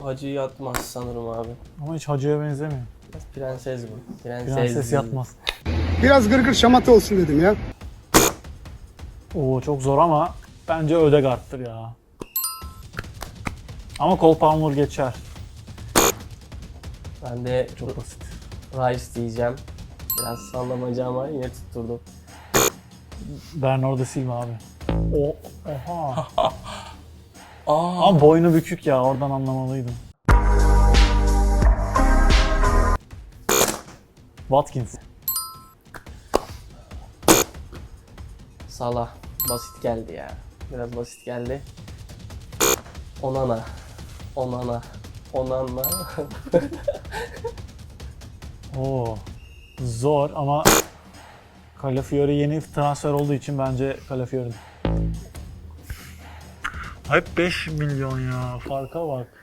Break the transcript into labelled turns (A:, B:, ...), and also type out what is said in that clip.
A: Hacı yatmaz sanırım abi.
B: Ama hiç hacıya benzemiyor.
A: Biraz prenses bu.
B: Prenses yatmaz.
C: Biraz gırgır şamata olsun dedim ya.
B: Oo çok zor ama bence Ödegaard'tır ya. Ama Cole Palmer geçer.
A: Ben de
B: Çok basit.
A: Rice diyeceğim. Biraz sallamaca ama yine tutturdum.
B: Bernardo Silva abi. Oha. Ama boynu bükük ya, oradan anlamalıydım. Watkins.
A: Salah. Basit geldi ya. Biraz basit geldi. Onana.
B: Oo. Zor ama Calafiori yeni transfer olduğu için bence Calafiori. Hep 5 milyon ya. Farka bak.